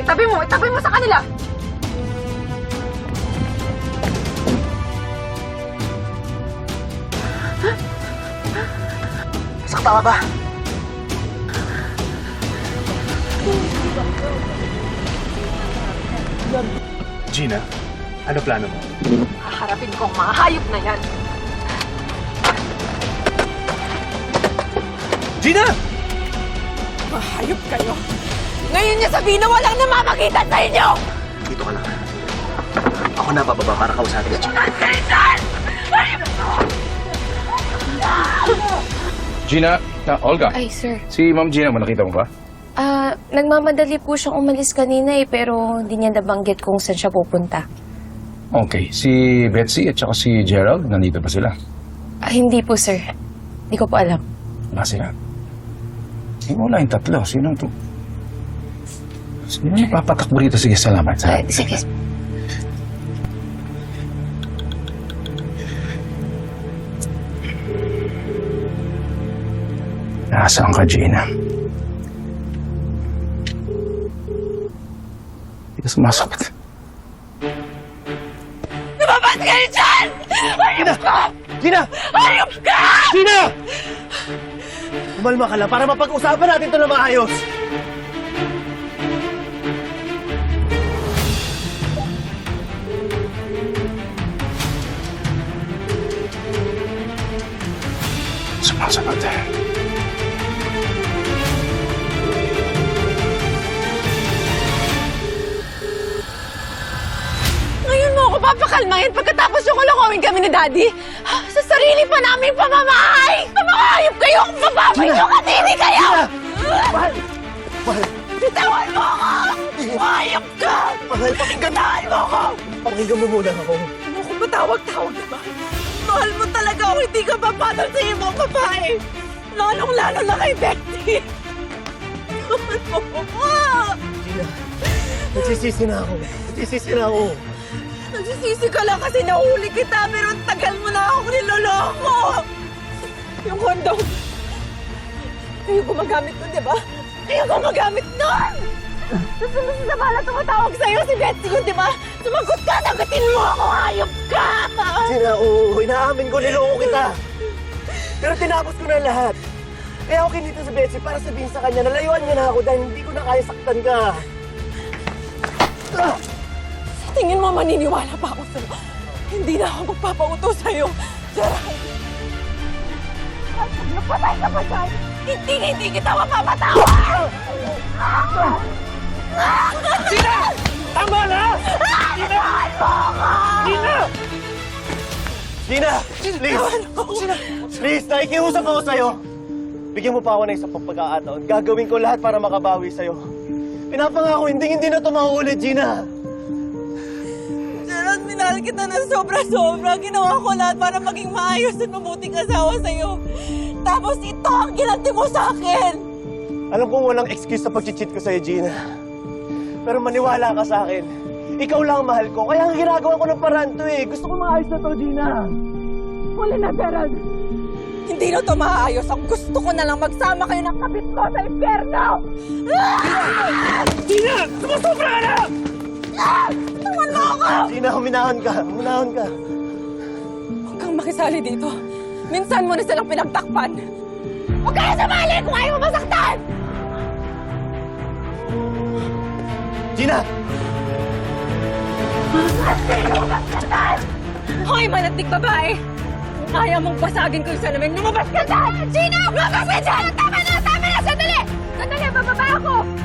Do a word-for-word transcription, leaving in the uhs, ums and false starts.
Itabi mo! Itabi mo sa kanila! Sakta ka ba? Gina, ano plano mo? Haharapin ko ang mga hayop na yan! Gina! Mahayop kayo! Ngayon niya sabihin na walang namamagitan sa inyo! Dito ka lang. Ako na bababa para kausapin si Gina. Gina, ah, Olga, Ay, sir. si Ma'am Gina mo, nakita mo ba? Ah, nagmamadali po siyang umalis kanina eh, pero hindi niya nabanggit kung saan siya pupunta. Okay, si Betsy at saka si Gerald, nandito ba sila? Ah, hindi po, sir. Hindi ko po alam. Wala sila. Eh, wala yung tatlo. Sino to? Sino yung papatakbo rito? Sige, salamat. Ah, salamat. sige. Nasaan ka, Gina? Hindi ka sumasagot. Lumabas kayo dyan! Hayop ka! Gina! Hayop ka! Gina! Umalma ka lang para mapag-usapan natin ito na maayos. Sumasagot eh. Ngayon mo ako papakalmahin pagkatapos yung kulongawin kami ni Daddy? Ha? Sa sarili pa namin pamamahay! Ang mga hayop kayo! Kung mababay nyo katiri kayo! Mahal! Mahal! Bitawan mo ako! Hayop ka! Mahal, pakinggan! Bitawan mo ako! Pakinggan mo muna ako. Ano kung matawag-tawag na Mahal mo talaga ako, hindi ka papatol sa ibang babae! Lalong-lalo na kay Betty! Mahal mo ako! Gina, nagsisisi na ako. Nagsisisi na ako. Nagsisisi ka lang kasi nahuli kita, pero ang tagal mo na akong niloloko! Yung kondom, kayo gumagamit nun, di ba? Kayo gumagamit nun! Tapos naman sa bala tumatawag sa'yo si Betsy ko, di ba? Sumagot ka, nagatin mo ako, hayop ka! Gina, oo, inaamin ko, niloko kita. Pero tinapos ko na lahat. Kaya ako kinito sa Betsy para sabihin sa kanya, nalayuan niya na ako dahil hindi ko na kaya saktan ka. Ah! Sa tingin mo, maniniwala pa ako sa'yo. Hindi na ako magpapautos sa'yo. Gerald! At pag napatay ka pa dyan, hindi hindi kita mapapatawa! Gina! Tama na! Gina! Gina! Gina! Please! Gina! Please, nakikiusap ako sa'yo. Bigyan mo pa ako ng isang pagkakataon. Gagawin ko lahat para makabawi sa'yo. Pinapangako, hindi hindi na ito mauulit, Gina. Gerald, minahal kita ng sobra-sobra. Ginawa ko lahat para maging maayos at mabuting asawa sa'yo. Tapos ito ang ginanti mo sa akin! Alam kong walang excuse sa pag-cheat ko sa'yo, Gina. Pero maniwala ka sa akin. Ikaw lang ang mahal ko. Kaya ang ginagawa ko ng paraan to eh. Gusto ko maayos na to, Gina. Huli na, Gerald! Hindi na ito maayos. Ang gusto ko na lang magsama kayo ng kapit mo sa impyerno! Gina! Sumusobra ka na! Tawan mo ako! Gina, huminahon ka. Huminahon ka. Huwag kang makisali dito. Minsan mo na silang pinagtakpan. Huwag kayo sumali kung ayaw mo masaktan! Gina! Hoy, manatig babae! Kung ayaw mong basagin ko yung salamin, lumabas ka dyan! Gina! Lumabas ka dyan! Tama na! Tama na! Sandali! Sandali! Bababa ako!